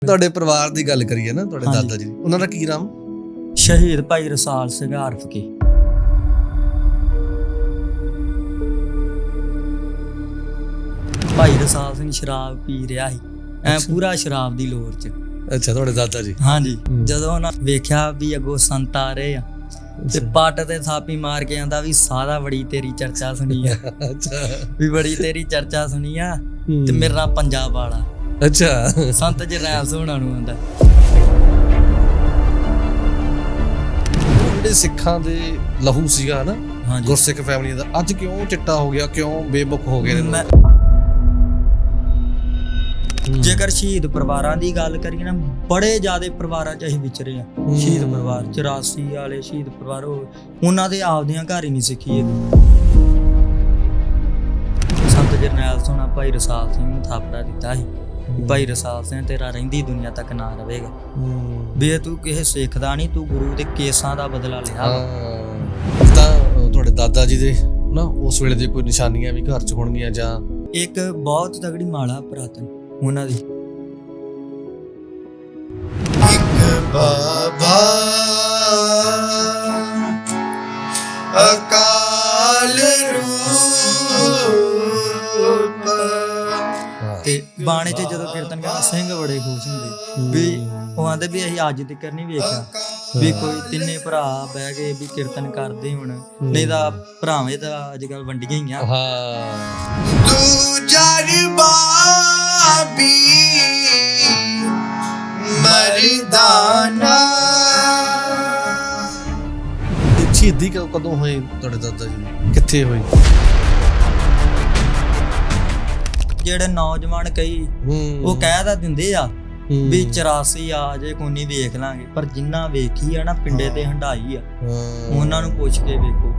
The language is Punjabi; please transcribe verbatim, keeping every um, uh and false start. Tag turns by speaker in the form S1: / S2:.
S1: ਤੁਹਾਡੇ ਪਰਿਵਾਰ ਦੀ ਗੱਲ ਕਰੀਏ ਨਾ, ਤੁਹਾਡੇ
S2: ਹਾਂਜੀ।
S1: ਦਾਦਾ ਜੀ, ਉਹਨਾਂ ਦਾ ਕੀ ਨਾਮ?
S2: ਸ਼ਹੀਦ ਭਾਈ ਰਸਾਲ ਸਿੰਘ ਆਰਫ ਕੀ। ਭਾਈ ਰਸਾਲ ਸਿੰਘ ਸ਼ਰਾਬ ਪੀ ਰਿਹਾ ਸੀ ਐ ਪੂਰਾ ਸ਼ਰਾਬ ਦੀ ਲੋਰ ਚ।
S1: ਅੱਛਾ, ਤੁਹਾਡੇ ਦਾਦਾ ਜੀ।
S2: ਹਾਂਜੀ।
S1: ਹੂੰ।
S2: ਜਦੋਂ ਉਹਨਾਂ ਵੇਖਿਆ ਵੀ ਅੱਗੋਂ ਸੰਤ ਆ ਰਹੇ ਆ ਤੇ ਪੱਟ ਤੇ ਥਾਪੀ ਮਾਰ ਕੇ ਆਂਦਾ ਵੀ ਸਾਰਾ ਬੜੀ ਤੇਰੀ ਚਰਚਾ ਸੁਣੀ ਆ।
S1: ਅੱਛਾ।
S2: ਵੀ ਬੜੀ ਤੇਰੀ ਚਰਚਾ ਸੁਣੀ ਆ ਤੇ ਮੇਰੇ ਨਾਲ ਪੰਜਾਬ ਵਾਲਾ।
S1: ਅੱਛਾ।
S2: ਸੰਤ ਜਰਨੈਲ ਸੋਹਣਾ ਨੂੰ ਆਂਦਾ।
S1: ਜਿਹੜੇ ਸਿੱਖਾਂ ਦੇ ਲਹੂ ਸੀਗਾ ਨਾ,
S2: ਹਾਂਜੀ।
S1: ਗੁਰਸਿੱਖ ਫੈਮਿਲੀ ਦਾ, ਅੱਜ ਕਿਉਂ ਚਿੱਟਾ ਹੋ ਗਿਆ, ਕਿਉਂ ਬੇਮੁਖ ਹੋ ਗਏ ਨੇ
S2: ਮੈਂ
S1: ਲੋਕ?
S2: ਜੇਕਰ ਸ਼ਹੀਦ ਪਰਿਵਾਰਾਂ ਦੀ ਗੱਲ ਕਰੀਏ ਨਾ, ਬੜੇ ਜ਼ਿਆਦੇ ਪਰਿਵਾਰਾਂ 'ਚ ਅਸੀਂ ਵਿਚਰੇ ਆ। ਸ਼ਹੀਦ ਪਰਿਵਾਰ ਚੁਰਾਸੀ ਵਾਲੇ ਸ਼ਹੀਦ ਪਰਿਵਾਰ, ਉਹਨਾਂ ਦੇ ਆਪਦੀਆਂ ਘਰ ਹੀ ਨਹੀਂ ਸਿੱਖੀ ਹੈਗੀ। ਸੰਤ ਜਰਨੈਲ ਸੋਹਣਾ ਭਾਈ ਰਸਾਲ ਸਿੰਘ ਨੂੰ ਥਾਪੜਾ ਦਿੱਤਾ ਸੀ ਵੀ ਭਾਈ ਰਸਾਲ ਸਿੰਘ ਤੇਰਾ ਰਹਿੰਦੀ ਦੁਨੀਆ ਤੱਕ ਨਾ ਰਹੇਗਾ, ਵੀ ਤੂੰ ਕਿਸੇ ਸਿੱਖ ਦਾ ਨਹੀਂ, ਤੂੰ ਗੁਰੂ ਦੇ ਕੇਸਾਂ ਦਾ ਬਦਲਾ ਲਿਆ।
S1: ਹਾਂ, ਤਾਂ ਤੁਹਾਡੇ ਦਾਦਾ ਜੀ ਦੇ ਨਾ ਉਸ ਵੇਲੇ ਦੀ ਕੋਈ ਨਿਸ਼ਾਨੀਆਂ ਵੀ ਘਰ 'ਚ ਹੋਣਗੀਆਂ ਜਾਂ?
S2: ਇੱਕ ਬਹੁਤ ਤਗੜੀ ਮਾਲਾ ਪੁਰਾਤਨ ਉਹਨਾਂ ਦੀ।
S3: ਇੱਕ ਬਾਬਾ ਅਕਾਲ ਰੂਪ।
S2: ਤੇ ਬਾਣੇ 'ਚ ਜਦੋਂ ਕੀਰਤਨ ਕਰਦਾ ਸਿੰਘ ਬੜੇ ਖੁਸ਼ ਹੁੰਦੇ ਵੀ ਉਹ ਆਂਦੇ ਵੀ ਅਸੀਂ ਅੱਜ ਤੱਕ ਨਹੀਂ ਵੇਖਿਆ ਵੀ ਕੋਈ ਤਿੰਨੇ ਭਰਾ ਬਹਿ ਕੇ ਵੀ ਕੀਰਤਨ ਕਰਦੇ ਹੁਣ, ਨਹੀਂ ਤਾਂ ਭਰਾਵੇਂ ਤਾਂ ਅੱਜ ਕੱਲ ਵੰਡੀਆਂ ਹੀ ਆ।
S1: ਹਾਂ।
S3: ਤੂੰ ਜਰ ਬਾਬੀ ਮਰਦਾਨਾ।
S1: ਤੇ ਸ਼ਹੀਦੀ ਕ- ਕਦੋਂ ਹੋਈ ਤੁਹਾਡੇ ਦਾਦਾ ਜੀ ਦੀ? ਕਿੱਥੇ ਹੋਈ?
S2: ਜਿਹੜੇ ਨੌਜਵਾਨ ਕਈ
S1: ਹੂੰ।
S2: ਉਹ ਕਹਿ ਤਾਂ ਦਿੰਦੇ ਆ
S1: ਹੂੰ।
S2: ਵੀ ਚੁਰਾਸੀ ਆ ਜੇ ਕੋਈ ਨਹੀਂ ਵੇਖ ਲਾਂਗੇ, ਪਰ ਜਿੰਨਾ ਵੇਖੀ ਆ ਨਾ ਪਿੰਡੇ ਤੇ ਹੰਡਾਈ ਆ,
S1: ਹਾਂ।
S2: ਉਹਨਾਂ ਨੂੰ ਪੁੱਛ ਕੇ ਵੇਖੋ